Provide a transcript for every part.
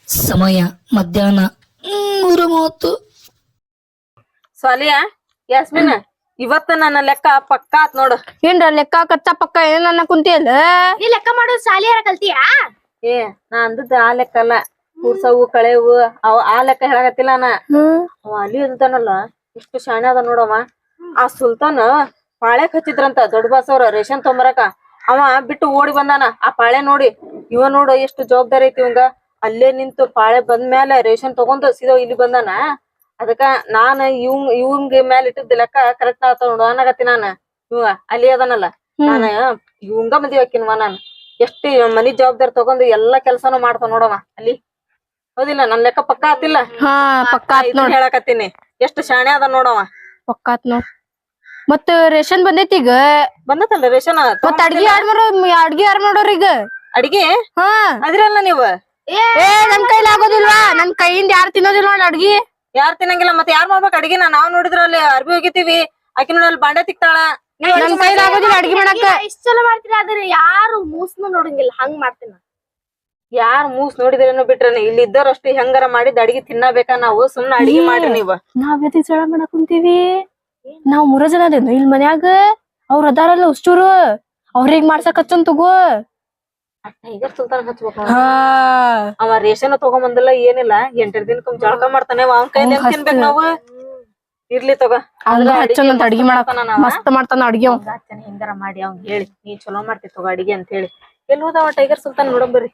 ಸಮಯ ಮಧ್ಯಾಹ್ನ 3:30. ಸಾಲಿಯಾ ಯಾಸ್ಮಿನ್ ಇವತ್ತ ನನ್ನ ಲೆಕ್ಕ ಪಕ್ಕ ಆತ್ ನೋಡು. ಏನ್ರ ಲೆಕ್ಕ ಕಚ್ಚಾ ಪಕ್ಕ ಏನ ಕುಂತಿಯಲ್ಲ ನೀ ಲೆಕ್ಕ ಮಾಡೋದು ಸಾಲಿಯಾರ ಕಲ್ತಿಯಾ? ಏ ನಾ ಅಂದದ್ದು ಆ ಲೆಕ್ಕ ಅಲ್ಲ, ಕೂರ್ಸವು ಕಳೆವು ಅವ ಆ ಲೆಕ್ಕ ಹೇಳಕತ್ತಿಲ್ಲ ನಾ. ಅವ ಅಲ್ಲಿ ಇರ್ತಾನಲ್ಲ ಎಷ್ಟು ಶಾಣೆ ಅದ ನೋಡವ. ಆ ಸುಲ್ತಾನ್ ಪಾಳ್ಯಾಕ್ ಹಚ್ಚಿದ್ರಂತ ದೊಡ್ಡ ಬಾಸ್ ಅವ್ರ ರೇಷನ್ ತೊಂಬರಕ. ಅವ ಬಿಟ್ಟು ಓಡಿ ಬಂದಾನ. ಆ ಪಾಳೆ ನೋಡಿ ಇವ ನೋಡು ಎಷ್ಟು ಜವಾಬ್ದಾರಿ ಐತಿ ಇವಂಗ. ಅಲ್ಲೇ ನಿಂತು ಪಾಳೆ ಬಂದ್ಮ್ಯಾಲ ರೇಷನ್ ತಗೊಂಡ್ ಸೀದಾ ಇಲ್ಲಿ ಬಂದಾನ. ಅದಕ್ಕ ನಾನ್ ಇವಂಗ ಮ್ಯಾಲ ಇಟ್ಟಿದ್ದ ಲೆಕ್ಕ ಕರೆಕ್ಟ್ ಆತ ನೋಡು ಅನ್ನಕತ್ತಿ ನಾನ. ಇವ ಅಲ್ಲಿ ಅದನಲ್ಲ, ನಾನ ಇವಂಗ ಮದ್ವಿ ಹಾಕಿನ್ವ ನಾನ್. ಎಷ್ಟ್ ಮನಿ ಜವಾಬ್ದಾರಿ ತಗೊಂಡ್ ಎಲ್ಲಾ ಕೆಲ್ಸಾನು ಮಾಡ್ತಾನ ನೋಡವ ಅಲ್ಲಿ. ಹೌದಿಲ್ಲ? ನನ್ ಲೆಕ್ಕ ಪಕ್ಕ ಆತಿಲ್ಲ? ಹಾ ಪಕ್ಕ ಆತ್ ನೋಡ್. ಹೇಳಕತ್ತೀನಿ ಎಷ್ಟು ಶಾಣೆ ಅದ ನೋಡವ. ಪಕ್ಕ ಆತ್ ನೋಡ್. ಮತ್ತ ರೇಷನ್ ಬಂದೈತಿ ಈಗ. ಬಂದತಲ್ಲ ರೇಷನ್. ಮತ್ತ ಅಡ್ಗಿ ಯಾರ್ ಮಾಡೋರ್ ಈಗ? ಅಡಿಗೆ ಹಾ ಅದ್ರಲ್ಲ ನೀವು ಏ ನನ್ ಕೈಲಿ ಆಗೋದಿಲ್ವಾ? ನನ್ ಕೈಯಿಂದ ಯಾರು ತಿನ್ನೋದಿಲ್ಲ ನೋಡ್ ಅಡ್ಗಿ. ಯಾರ್ ತಿನ್ನಂಗಿಲ್ಲ ಮತ್ತೆ ಯಾರ್ ಮಾಡ್ಬೇಕು ಅಡಿಗೆನ? ನಾವ್ ನೋಡಿದ್ರ ಅಲ್ಲಿ ಅರ್ಬಿ ಹೋಗಿತೀವಿ, ಆಕಿ ನೋಡಿ ಅಲ್ಲಿ ಬಾಂಡೆ ತಿಕ್ತಾಳ. ನನ್ ಕೈಲಿ ಆಗೋದಿಲ್ಲ ಅಡ್ಗಿ ಮಾಡಾಕ. ಇಷ್ಟ ಚಲೋ ಮಾಡ್ತೀರ, ಆದ್ರೆ ಯಾರು ಮೂಸ್ನು ನೋಡಂಗಿಲ್ಲ, ಹಂಗ್ ಮಾಡ್ತೀನ. ಯಾರ್ ಮೂಸ್ ನೋಡಿದ್ರೇನು ಬಿಟ್ರೇನೆ, ಇಲ್ಲಿ ಇದ್ದವ್ರಷ್ಟು ಹೆಂಗಾರ ಮಾಡಿದ್ ಅಡಿಗೆ ತಿನ್ನಬೇಕಾ ನಾವು? ಸುಮ್ನ ಅಡಿಗೆ ಮಾಡ್ರಿ ನೀವ್. ನಾವ್ ಎದಕ್ ಜಗಳ ಮಾಡಕ್ ಕುಂತೀವಿ? ನಾವ್ 3 ಜನ ಅದೇನು ಇಲ್ಲಿ ಮನ್ಯಾಗ. ಅವ್ರ ಅದಾರಲ್ಲ ಉಷ್ಟೂರು, ಅವ್ರಿಗ್ ಮಾಡ್ಸಕ್ ಹಚ್ಚನ್ ತಗೋ. ಟೈಗರ್ ಸುಲ್ತಾನ್ ಹಚ್ಬೇಕು. ಹಾ ಅವ ರೇಷನ್ ತಗೊಂಬಂದಿಲ್ಲ ಏನಿಲ್ಲ, 8 ದಿನಕ್ಕೊಮ್ಮೆ ಜಳಕ ಮಾಡ್ತಾನೆ. ಅವ್ನ ಕೈಲಿ ಹೆಂಗ್ ತಿನ್ಬೇಕು ನಾವು? ಇರ್ಲಿ ತಗೋ. ಹಚ್ಚಂತ ಅಡ್ಗಿ ಮಾಡಕ್ ಮಸ್ತ್ ಮಾಡ್ತಾನ ಅಡ್ಗಿ. ಹೆಂಗಾರ ಮಾಡಿ ಅವ್ನ್ ಹೇಳಿ, ನೀ ಚಲೋ ಮಾಡ್ತಿ ತಗೋ ಅಡಿಗೆ ಅಂತ ಹೇಳಿ. ಎಲ್ಲಿ ಹೋದವ ಟೈಗರ್ ಸುಲ್ತಾನ್? ನೋಡಂಬರ್ರಿ.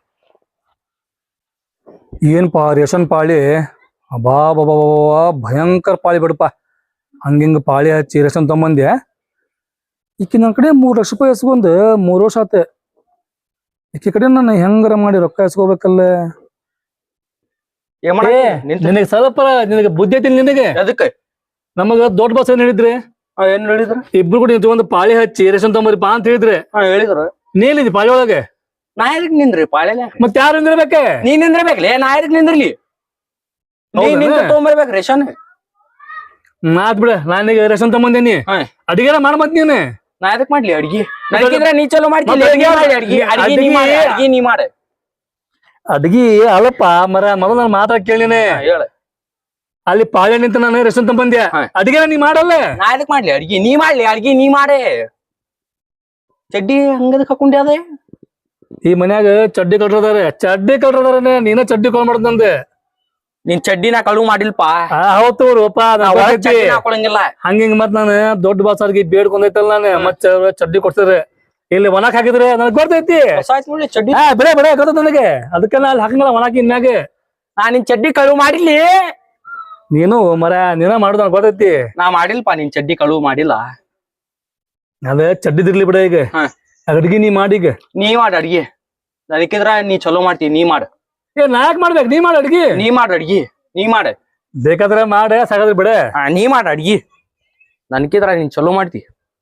ಏನ್ಪಾ ರೇಷನ್ ಪಾಳಿ, ಅಬಾ ಬಾಬಾ ಭಯಂಕರ ಪಾಳಿ ಬಿಡಪ್ಪ. ಹಂಗಿಂಗ ಪಾಳಿ ಹಚ್ಚಿ ರೇಷನ್ ತಗೊಂಬಂದೆ. ಈಕಿ ನನ್ನ ಕಡೆ 3 ಲಕ್ಷ ರೂಪಾಯಿ ಎಸ್ಕೊಂಡ್ 3 ವರ್ಷ ಆತ. ಈಕಿ ಕಡೆ ನಾನು ಹೆಂಗಾರ ಮಾಡಿ ರೊಕ್ಕ ಎಸ್ಕೋಬೇಕಲ್ಲ. ನಿನಗೆ ಸ್ವಲ್ಪ ನಿನಗೆ ಬುದ್ಧಿ ಐತಿ ನಿನಗೆ? ಅದಕ್ಕೆ ನಮಗ ದೊಡ್ಡ ಬಸ್ ಏನ್ ಹೇಳಿದ್ರಿ? ಏನ್ ಹೇಳಿದ್ರು? ಇಬ್ರು ಕೂಡ ನಿಂತ್ಕೊಂಡ್ ಪಾಳಿ ಹಚ್ಚಿ ರೇಷನ್ ತಗೊಂಬರಿ ಪಾ ಅಂತ ಹೇಳಿದ್ರೆ ಹೇಳಿದ್ರು. ನೀನಿದಿ ಪಾಳಿ ಒಳಗೆ. ನಾ ಎದಕ್ ನಿಂದ್ರಿ ಪಾಳೆಲ್ಲ? ಮತ್ ಯಾರು ನಿಂದಿರ್ಬೇಕೆ? ನೀನ್ ನಿಂದ್ರಬೇಕ್ಲೇ, ನಾ ಎದಕ್ ನಿಂದ್ರಲಿ? ನಿಂತ ತೊಗೊಂಬರ್ಬೇಕು ರೇಷನ್. ಮಾತ್ ಬಿಡ, ನಾನೀಗ ರೇಷನ್ ತಗೊಂಬಂದೇನಿ. ಅಡಿಗೆಲ್ಲ ಮಾಡ ಮತ್ ನೀನು. ನಾ ಎದಕ್ ಮಾಡ್ಲಿ ಅಡ್ಗಿ? ನನಗಿದ್ರೆ ನೀ ಚಲೋ ಮಾಡ್ತಿ. ನೀ ಮಾಡ ಅಡ್ಗಿ ಅಲ್ಲಪ್ಪ ಮರ ಮೊದಲ ನಾನು ಮಾತಾಡ್ ಕೇಳಿನೇ. ಹೇಳ. ಅಲ್ಲಿ ಪಾಳೆ ನಿಂತ ನಾನು ರೇಷನ್ ತಗೊಂಬಂದ್ಯಾ, ಅಡಿಗೆ ನೀ ಮಾಡಲ್ಲ. ನಾ ಎದಕ್ ಮಾಡ್ಲಿ ಅಡ್ಗಿ? ನೀ ಮಾಡ್ಲಿ ಅಡ್ಗಿ, ನೀ ಮಾಡೇ. ಚಡ್ಡಿ ಹಂಗದಕ್ ಹಾಕೊಂಡೆ ಅದೇ? ಈ ಮನ್ಯಾಗ ಚಡ್ಡಿ ಕಳ್ರದಾರೆ ನೀನ ಚಡ್ಡಿ ಕಾಲ್ ಮಾಡ್ದಂದೆ. ನಿನ್ ಚಡ್ಡಿ ನಾ ಕಳು ಮಾಡಿಲ್ಪ. ಹೌದು ರೂಪ ಹಾಕೊಳಂಗಿಲ್ಲ. ಹಂಗಿಂಗ್ ಮತ್ ನಾನು ದೊಡ್ಡ ಬಾಸರ್ಗಿ ಬೇಡ್ಕೊಂಡೈತಲ್ಲ ನಾನು ಮತ್ ಚಡ್ಡಿ ಕೊಡ್ತಿದ್ರೆ ಇಲ್ಲಿ ಒಣಕ್ ಹಾಕಿದ್ರೆ ನನಗ್ ಗೊತ್ತೈತಿ. ಚಡ್ಡಿ ಬೆಳೆ ಗೊತ್ತ ನನಗೆ. ಅದಕ್ಕೆಲ್ಲ ಅಲ್ಲಿ ಹಾಕಂಗಲ್ಲ ಒಣಕಿ ಇನ್ಯಾಗ. ನಾ ನಿನ್ ಚಡ್ಡಿ ಕಳು ಮಾಡಿರ್ಲಿ. ನೀನು ಮರ ನೀನ ಮಾಡುದ ನನಗ್ ಗೊತ್ತೈತಿ. ನಾ ಮಾಡಿಲ್ಪ, ನಿನ್ ಚಡ್ಡಿ ಕಳು ಮಾಡಿಲ್ಲ. ಅದೇ ಚಡ್ಡಿದಿರ್ಲಿ ಬಿಡ. ಈಗ ಅಡ್ಗಿ ನೀ ಮಾಡೀಗ. ನೀ ಮಾಡ ಅಡ್ಗಿ. ಅದಕ್ಕಿದ್ರ ನೀ ಚಲೋ ಮಾಡ್ತಿ, ನೀ ಮಾಡ. ನಾ ಯಾಕೆ ಮಾಡ್ಬೇಕು? ನೀ ಮಾಡ ಅಡ್ಗಿ. ನೀ ಮಾಡ ಅಡ್ಗಿ, ನೀ ಮಾಡ. ಬೇಕಾದ್ರೆ ಮಾಡ, ಸಾಕಾದ್ರೆ ಬಿಡ. ನೀ ಮಾಡ ಅಡ್ಗಿ. ನನ್ಕಿದ್ರ ನೀನ್ ಚಲೋ ಮಾಡ್ತಿ.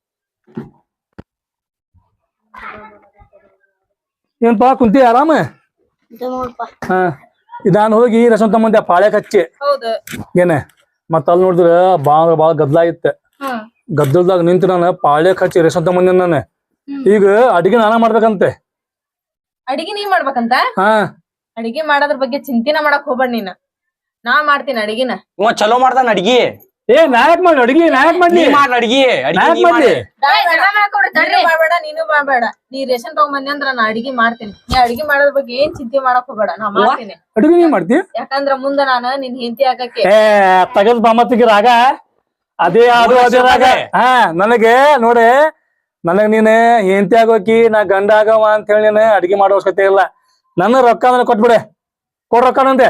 ಏನ್ಪಾ ಕುಂತಿ ಆರಾಮ? ಹಾ ಇದಾನ್ ಹೋಗಿ ರೇಷನ್ ತಗೊಂಬಂದೆ ಪಾಳ್ಯಾಕ್ ಹಚ್ಚಿ. ಏನ ಮತ್ತ ಅಲ್ಲಿ ನೋಡಿದ್ರ ಬಾಳ ಗದ್ಲ ಇತ್ತ. ಗದ್ದಲ್ದಾಗ ನಿಂತು ನಾನು ಪಾಳ್ಯಾಕ್ ಹಚ್ಚಿ ರೇಷನ್ ತಗೊಂಬಂದೆ ನಾನು. ಈಗ ಅಡಿಗೆ ನಾನ ಮಾಡ್ಬೇಕಂತೆ. ಅಡಿಗೆ ನೀ ಮಾಡ್ಬೇಕಂತ? ಹಾ ಅಡಿಗೆ ಮಾಡೋದ್ರ ಬಗ್ಗೆ ಚಿಂತಿನ ಮಾಡಕ್ ಹೋಗ್ಬೇಡ ನೀನ್. ನಾ ಮಾಡ್ತೀನಿ ಅಡಿಗೆನ. ಇವ ಚಲೋ ಮಾಡ್ತಾನ ಅಡ್ಗಿ. ನಾಯಕ್ ಮಾಡಿ ಅಡಿಗೆ, ನಾಯಕ್ ಮಾಡ್ಲಿ. ನೀ ಮಾಡ ಅಡ್ಗಿ, ನಾಯಕ್ ಮಾಡ್ಲಿ. ಮಾಡ್ಬೇಡ, ನೀನು ಮಾಡ್ಬೇಡ. ನೀ ರೇಷನ್ ತಗೊಂಬಂದಿ ಅಂದ್ರ ನಾ ಅಡಿಗೆ ಮಾಡ್ತೀನಿ. ನೀ ಅಡಿಗೆ ಮಾಡೋದ್ರ ಬಗ್ಗೆ ಏನ್ ಚಿಂತೆ ಮಾಡಕ್ ಹೋಗ್ಬೇಡ, ನಾ ಮಾಡ್ತೀನಿ. ಅಡಿಗೆ ನೀ ಮಾಡ್ತಿ? ಯಾಕಂದ್ರ ಮುಂದ ನಾನು ನಿನ್ ಹೆಂಡತಿ ಆಗಕ್ಕೆ. ತಗದ್ ಬಾಮತ್ತಿಗೆ ರಾಗ ಅದೇ ರಾಗ. ಹಾ ನನಗೆ ನೋಡಿ, ನನಗ್ ನೀನ್ ಹೆಂಡತಿ ಆಗೋಕಿ, ನಾ ಗಂಡ ಆಗವ ಅಂತ ಹೇಳಿ ನೀನ್ ಅಡಿಗೆ ಮಾಡೋ ಅವಶ್ಯಕತೆ ಇಲ್ಲ. ನನ್ನ ರೊಕ್ಕ ಅಂದ್ರೆ ಕೊಟ್ಬಿಡೆ. ಕೊಡ್ರೊಕ್ಕನಂತೆ.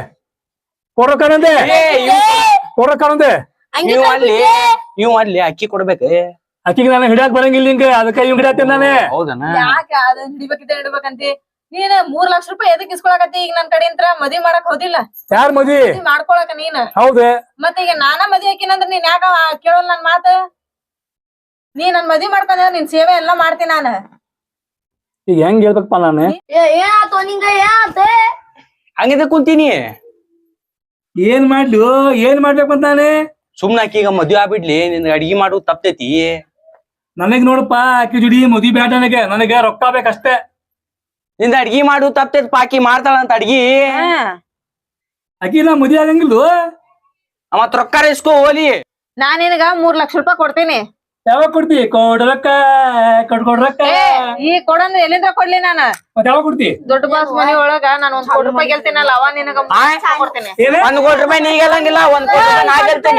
ಇವ್ ಅಲ್ಲಿ ಅಕ್ಕಿ ಕೊಡ್ಬೇಕ. ಅಕ್ಕಿಗೆ ನಾನು ಹಿಡಿಯಾಕ್ ಬರಂಗಿಲ್ಲ ಹಿಂಗ, ಅದಕ್ಕ ಇವ್ ಹಿಡಿಯತ್ತೇನೆ ನಾನೇ. ಹೌದನ? ಯಾಕೆ ಅದನ್ನ ಹಿಡಿಬೇಕಂತಿ? ನೀನ್ 3 ಲಕ್ಷ ರೂಪಾಯಿ ಎದಕ್ ಇಸ್ಕೊಳಕತ್ತಿ? ಈಗ ನನ್ ಕಡೆ ಅಂತ ಮದ್ವಿ ಮಾಡಕ್ ಹೋದಿಲ್ಲ? ಯಾರ್ ಮದ್ವಿ ಮಾಡ್ಕೊಳಕ ನೀನ್? ಹೌದೇ ಮತ್ತೆ ಈಗ ನಾನ ಮದ್ವಿ ಹಾಕಿನಂದ್ರ ನೀನ್ ಯಾಕ ಕೇಳೋಲ್ ನನ್ ಮಾತ? ನೀ ನನ್ ಮದ್ವಿ ಮಾಡ್ಕೊಂಡ ನಿನ್ ಸೇವೆ ಎಲ್ಲಾ ಮಾಡ್ತೀನಿ ನಾನು. ಈಗ ಹೆಂಗ್ ಹೇಳ್ಬೇಕಪ್ಪ ನಾನು? ಏನಾತೋ ನಿಂಗ? ಏನಾತೆ? ಹಂಗಿದ ಕುಂತೀನಿ. ಏನ್ ಮಾಡ್ಬೇಕಂತ ನಾನೇ? ಸುಮ್ನ ಅಕ್ಕಿಗ ಮದ್ವೆ ಆಗ್ಬಿಡ್ಲಿ, ನಿನ್ ಅಡ್ಗಿ ಮಾಡು ತಪ್ತೈತಿ. ನನಗ್ ನೋಡಪ್ಪ, ಅಕ್ಕಿ ಜುಡಿ ಮದ್ವಿ ಬೇಡ. ನನಗೆ ರೊಕ್ಕ ಬೇಕಷ್ಟೇ. ನಿಂದ ಅಡ್ಗಿ ಮಾಡು ತಪ್ತೈತಿ. ಪಾಕಿ ಮಾಡ್ತಾಳ ಅಂತ ಅಡ್ಗಿ. ಆಕಿ ನಾ ಮದ್ವೆ ಆಗಂಗಿಲ್ಲ ಮತ್ ರೊಕ್ಕ ಇಸ್ಕೋ ಹೋಲಿ. ನಾನ್ ನಿನಗ 3 ಲಕ್ಷ ರೂಪಾಯಿ ಕೊಡ್ತೀನಿ. ಯಾವಾಗ ಕೊಡ್ತಿ? ಕೊಡ್ರಕ್ಕ ಕೊಡ್ರಕ್ಕ. ಈ ಕೊಡಂದ್ರೆ ಎಲ್ಲಿಂದ ಕೊಡ್ಲಿ ನಾನ? ಮತ್ ಯಾವಾಗ ಕೊಡ್ತಿ? ದೊಡ್ಡ ಬಾಸ್ ಮನಿ ಒಳಗ ನಾನು 1 ಕೋಟಿ ರೂಪಾಯಿ ಗೆಲ್ತೀನಲ್ಲ, ಅವ ನಿನಗ 3 ಲಕ್ಷ ಕೊಡ್ತೀನಿ. 1 ಕೋಟಿ ರೂಪಾಯಿ ನೀ ಗೆಲ್ಲಂಗಿಲ್ಲ, 1 ಕೋಟಿ ರೂಪಾಯಿ ನಾ ಗೆಲ್ತೇನಿ.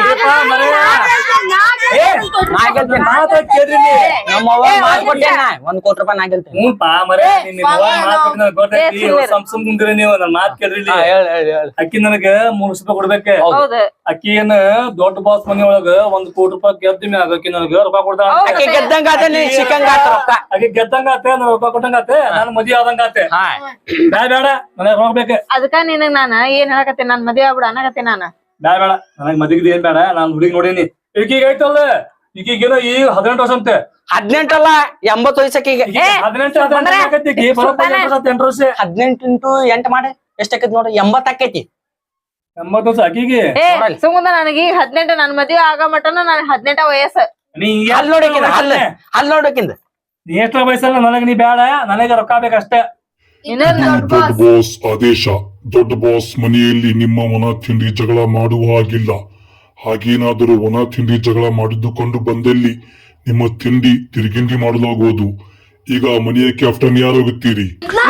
ನಾ ಗೆಲ್ತೇನಿ. ಮಾತಾಡ್ ಕೇಳ್ರಿ ನೀ. ನಮ್ಮ ಅವ್ವ ಮಾತ್ ಕೊಟ್ಟೇನ 1 ಕೋಟಿ ರೂಪಾಯಿ ನಾ ಗೆಲ್ತೇನಿ. ಹ್ಞೂ ಪಾ ಮರೆ, ನಿನ್ನ ಮಾತ್ ಕೊಟ್ಟು ನನಗ್ ಗೊತ್ತೈತಿ. ಸಂಸಮ್ ಮುಂದಿರ ನೀವು ನನ್ ಮಾತ್ ಕೇಳ್ರಿ ಇಲ್ಲಿ. ಹೇಳ ಅಕ್ಕಿ ನನಗ 3 ಲಕ್ಷ ರೂಪಾಯಿ ಕೊಡ್ಬೇಕ. ಹೌದು. ಅಕ್ಕಿ ಏನ ದೊಡ್ಡ ಬಾಸ್ ಮನಿ ಒಳಗ 1 ಕೋಟಿ ರೂಪಾಯಿ ಗೆದ್ದಿ ಮ್ಯಾಗ ಅಕ್ಕಿ ನನಗ ರೊಕ್ಕ ಕೊಡ್ತಾಳ. ಆಕಿ ಗೆದ್ದಂಗ ಆತ, ನೀ ಸಿಕ್ಕಂಗ ಆತ ರೊಕ್ಕ. ಅಕ್ಕಿ ಗೆದ್ದಂಗ ಆತ, ನನ್ ರೊಕ್ಕ ಕೊಟ್ಟಂಗ ಆತ, ನಾನು ಮದ್ವೆ ಆದಂಗ ಆತ. ಹಾ ಬ್ಯಾಡ ಬೇಡ, ನನಗ್ ರೊಕ್ಕ ಬೇಕ. ಅದಕ್ಕ ನಿನಗ್ ನಾನ ಏನ್ ಹೇಳಕತ್ತೀನಿ, ನಾನ್ ಮದ್ವೆ ಆಗ್ಬಿಡ ಅನ್ನಕತ್ತೀನಿ ನಾನು. ಬ್ಯಾಡ ಬೇಡ, ನನಗ್ ಮದ್ವಿದ್ ಏನ್ ಬೇಡ. ನಾನ್ ಹುಡುಗಿ ನೋಡೀನಿ. ಈಗೀಗ ಐತಲ್ಲ, ಈಗೀಗೇನೋ ಈಗ 18 ವರ್ಷ ಅಂತೆ. 18 ಅಲ್ಲ 80 ವಯಸ್ಸಕ್ಕಿಗೆ. 18 ಆಕೈತಿ. ಬರೋಬ್ಬರಿ 8 ವರ್ಷ. 18 ಇಂಟು 8 ಮಾಡಿ ಎಷ್ಟಾಕೈತಿ ನೋಡ್ರಿ, 80 ಆಕೈತಿ. 80 ವರ್ಷ ಅಕ್ಕಿಗೆ. ಸುಮ್ಮನೆ ನನಗೆ ಈಗ 18, ನನ್ ಮದ್ವೆ ಆಗ ಮಟನ ನನ್ 18 ವಯಸ್ಸು. ನೀ ಹಲ್ ನೋಡಕಿಂದ ಹಲ್ ನೋಡಕಿಂದ ನೀ ಎಷ್ಟ ವಯಸ್ಸಲ್ಲ, ನನಗ್ ನೀ ಬೇಡ, ನನಗ ರೊಕ್ಕ ಬೇಕಷ್ಟೇ. ದೊಡ್ಡ ಬಾಸ್ ಆದೇಶ. ದೊಡ್ಡ ಬಾಸ್ ಮನೆಯಲ್ಲಿ ನಿಮ್ಮ ಒಣ ತಿಂಡಿ ಜಗಳ ಮಾಡುವ ಹಾಗಿಲ್ಲ. ಹಾಗೇನಾದರೂ ಒಣ ತಿಂಡಿ ಜಗಳ ಮಾಡಿದ್ದುಕೊಂಡು ಬಂದಲ್ಲಿ ನಿಮ್ಮ ತಿಂಡಿ ತಿರುಗಿಂಡಿ ಮಾಡಲಾಗುವುದು. ಈಗ ಮನೆಯ ಕ್ಯಾಪ್ಟನ್ ಯಾರಾಗುತ್ತೀರಿ?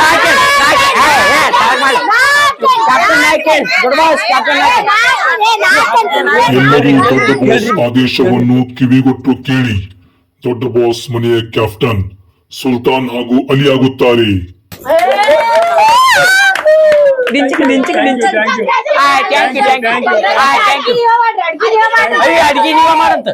ಎಲ್ಲರೂ ದೊಡ್ಡ ಬಾಸ್ ಆದೇಶವನ್ನು ಕಿವಿಗೊಟ್ಟು ಕೇಳಿ. ದೊಡ್ಡ ಬಾಸ್ ಮನೆಯ ಕ್ಯಾಪ್ಟನ್ ಸುಲ್ತಾನ್ ಹಾಗೂ ಅಲಿ ಆಗುತ್ತಾರೆ. ಅಡಿಗೆ ನೀವ ಮಾಡಂತ.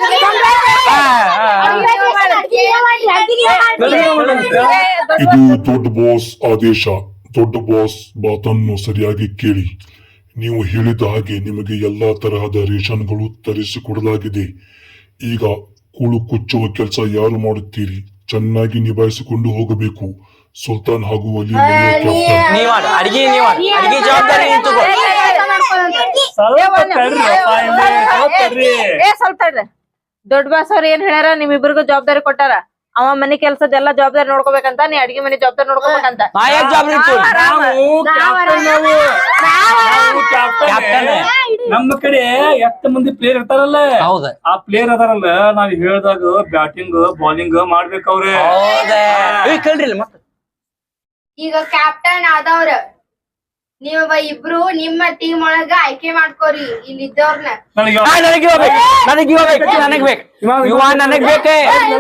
ಇದು ದೊಡ್ಡ ಬಾಸ್ ಆದೇಶ. ದೊಡ್ಡ ಬಾಸ್ ಮಾತನ್ನು ಸರಿಯಾಗಿ ಕೇಳಿ. ನೀವು ಹೇಳಿದ ಹಾಗೆ ನಿಮಗೆ ಎಲ್ಲಾ ತರಹದ ರೇಷನ್ಗಳು ತರಿಸಿಕೊಡಲಾಗಿದೆ. ಈಗ ಕೂಳು ಕುಚ್ಚುವ ಕೆಲಸ ಯಾರು ಮಾಡುತ್ತೀರಿ? ಚೆನ್ನಾಗಿ ನಿಭಾಯಿಸಿಕೊಂಡು ಹೋಗಬೇಕು. ಸುಲ್ತಾನ್ ಹಾಗೂ ಅಲಿ ನೀವ್ ಮಾಡು ಅಡಿಗೆ, ನೀವ್ ಮಾಡು ಅಡಿಗೆ ಜವಾಬ್ದಾರಿ ನೀನ್ ತಗೋ. ಸ್ವಲ್ಪ ತಡ್ರಿ. ದೊಡ್ಡ ಬಾಸ್ ಅವ್ರ ಏನ್ ಹೇಳ್ಯಾರ, ನಿಮ್ಮಿಬ್ರಿಗೂ ಜವಾಬ್ದಾರಿ ಕೊಟ್ಟಾರ. ಅವ ಮನಿ ಕೆಲ್ಸದೆಲ್ಲ ಜವಾಬ್ದಾರಿ ನೋಡ್ಕೋಬೇಕಂತ, ನೀ ಅಡಿಗೆ ಮನಿ ಜವಾಬ್ದಾರಿ ನೋಡ್ಕೋಬೇಕಂತ. ನಮ್ಮ ಕಡೆ ಎಷ್ಟು ಮಂದಿ ಪ್ಲೇಯರ್ ಇರ್ತಾರಲ್ಲ, ಹೌದ ಆ ಪ್ಲೇಯರ್ ಅದಾರಲ್ಲ, ನಾವ್ ಹೇಳ್ದಾಗ ಬ್ಯಾಟಿಂಗ್ ಬಾಲಿಂಗ್ ಮಾಡ್ಬೇಕ ಅವ್ರೆ. ಕೇಳ್ರಿ ಮತ್ತ. ಈಗ ಕ್ಯಾಪ್ಟನ್ ಆದವ್ರ ನೀವ ಇಬ್ರು ನಿಮ್ಮ ಟೀಮ್ ಒಳಗ ಆಯ್ಕೆ ಮಾಡ್ಕೋರಿ ಇಲ್ಲಿದ್ದವ್ರನ್ನ. ನನಗೆ ನನಗ್ ಬೇಕೇ.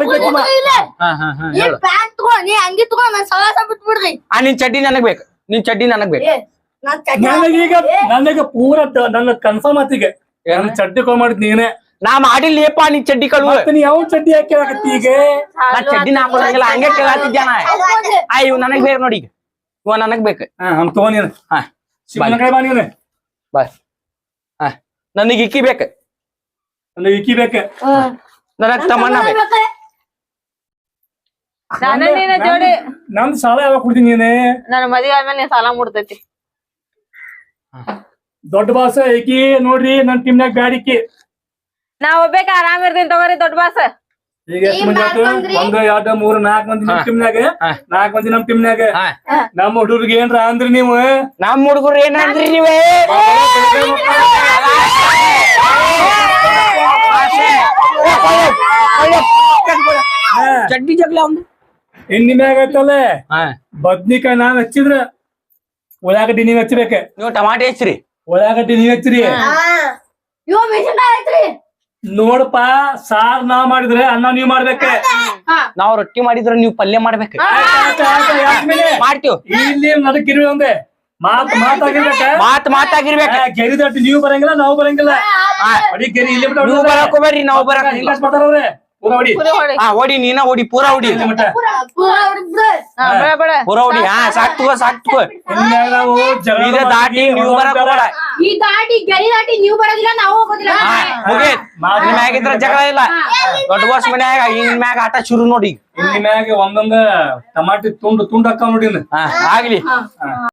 ಪ್ಯಾಂಟ್ ತಗೋ, ನೀ ಅಂಗಿ ತಗೋ, ನನ್ ಸವಾಸ ಬಿಟ್ಬಿಡ್ರಿ. ನಿನ್ ಚಡ್ಡಿ ನನಗ್ ಬೇಕು, ನಿನ್ ಚಡ್ಡಿ ನನಗ್ ಬೇಕು. ನನಗೀಗ ಪೂರ ನನ್ನ ಕನ್ಫರ್ಮ್ ಆತಿಗೆ ನನ್ನ ಚಡ್ಡಿ ಕಾಲ್ ಮಾಡಿದ್ ನೀನೇ. ನಾ ಮಾಡಿಲ್ಲಪ್ಪ ನಿನ್ ಚಡ್ಡಿ ಕಳುವ. ನೀ ಯಾವ ಚಡ್ಡಿ ಹಾಕಿ ಹಾಕತ್ತಿ ಈಗ? ನಾ ಚಡ್ಡಿನ ಹಾಕೋದಂಗಿಲ್ಲ, ಹಂಗೆ ಕೇಳತ್ತಿದ್ಯಾನ. ಇವ್ ನನಗ್ ಬೇಕು ನೋಡಿ, ಈಗ ಇವ ನನಗ್ ಬೇಕು. ಹಮ್ ತಗೋ ನೀನು. ಶಿವನ ಕಡೆ ಬಾ ನೀನು. ಬಾಯ್. ನನಗ್ ಇಕ್ಕಿ ಬೇಕು, ನನಗೆ ಇಕ್ಕಿ ಬೇಕ. ನನಗ್ ತಮ್ಮಣ್ಣ ಬೇಕು. ನಾನೇ ನೀನ ಜೋಡಿ. ನಂದ್ ಸಾಲ ಯಾವಾಗ ಕೊಡ್ತೀನಿ ನೀನೆ? ನನ್ನ ಮದ್ವೆ ಆದ್ಮೇಲೆ ನೀನ್ ಸಾಲ ಮುಡ್ತೈತಿ. ದೊಡ್ಡ ಬಾಸ ಏಕಿ ನೋಡ್ರಿ, ನನ್ ಟೀಮ್ನಾಗ ಬ್ಯಾಡಿಕಿ. ನಾ ಒಬ್ಬೇಕ ಆರಾಮ್ ಇರ್ತೀನಿ ತಗೋರಿ ದೊಡ್ಡ ಬಾಸ್. ಈಗ ಎಷ್ಟು ಮಂದಿ ಆತು? 1 2 3 4 ಮಂದಿ ನಮ್ ಟೀಮ್ನಾಗ, 4 ಮಂದಿ ನಮ್ ಟೀಮ್ನಾಗ. ನಮ್ಮ ಹುಡುಗರಿಗೆ ಏನ್ರ ಅಂದ್ರಿ ನೀವು? ನಮ್ ಹುಡುಗರು ಏನಂದ್ರಿ ನೀವೇ? ಚಡ್ಡಿ ಜಗ್ಲ ಅವ್ನು ಎಣ್ಣಿ ಮ್ಯಾಗ ಐತಲ್ಲ, ಬದ್ನಿಕಾಯಿ ನಾನ್ ಹಚ್ಚಿದ್ರ ಉಳ್ಳಾಗಡ್ಡಿ ನೀವ್ ಹಚ್ಬೇಕ. ನೀವು ಟಮಾಟೆ ಹಚ್ಚ್ರಿ, ಉಳ್ಳಾಗಡ್ಡಿ ನೀವ್ ಹಚ್ಚ್ರಿ. ಇವ ಮೆಣಸಿನ್ಕಾಯಿ ಐತ್ರಿ. ನೋಡಪ್ಪ, ಸಾರ್ ನಾವ್ ಮಾಡಿದ್ರೆ ಅನ್ನ ನೀವ್ ಮಾಡ್ಬೇಕ. ನಾವ್ ರೊಟ್ಟಿ ಮಾಡಿದ್ರ ನೀವ್ ಪಲ್ಯ ಮಾಡ್ಬೇಕು. ಮಾಡ್ತೀವ್. ಇಲ್ಲಿ ನಡಕ್ ಇರ್ವಿ ಒಂದೇ ಮಾತಾಗಿರ್ಬೇಕ. ಗೆರಿ ದಟ್ಟಿ ನೀವು ಬರಂಗಿಲ್ಲ, ನಾವು ಬರಂಗಿಲ್ಲ. ಅಡಿ ಗೆರಿ ಇಲ್ಲಿ ನೀವು ಬರಕ್ ಹೋಗ್ಬೇಡ್ರಿ, ನಾವು ಬರಕ್ ಮಾಡ್ತಾರವ್ರೆ. ಓಡಿ, ನೀನ ಓಡಿ, ಪೂರಾ ಓಡಿ, ಪೂರಾ ಓಡಿ. ಸಾಕ್ ತಗೋ, ಸಾಕ್ ತಗೋ. ಈಗ ದಾಟಿ ನೀವು ಬರಕ್ ಹೋಗ್ಬೇಡ. ಈ ದಾಟಿ ಗೆರಿ ದಾಟಿ ನೀವು ಬರೋದಿಲ್ಲ, ನಾವು ಹೋಗೋದಿಲ್ಲ. ಮುಗೀತ್. ನಿಮ್ ಮ್ಯಾಗಿದ್ರ ಜಗಳ ಇಲ್ಲ. ದೊಡ್ಡ ಬಾಸ್ ಮನ್ಯಾಗ ಇನ್ ಮ್ಯಾಗ ಆಟ ಶುರು ನೋಡಿ. ಇಲ್ಲಿ ಮ್ಯಾಗ ಒಂದೊಂದ ಟಮಾಟಿ ತುಂಡು ಹಾಕಾವ್ ನೋಡಿ. ಆಗ್ಲಿ.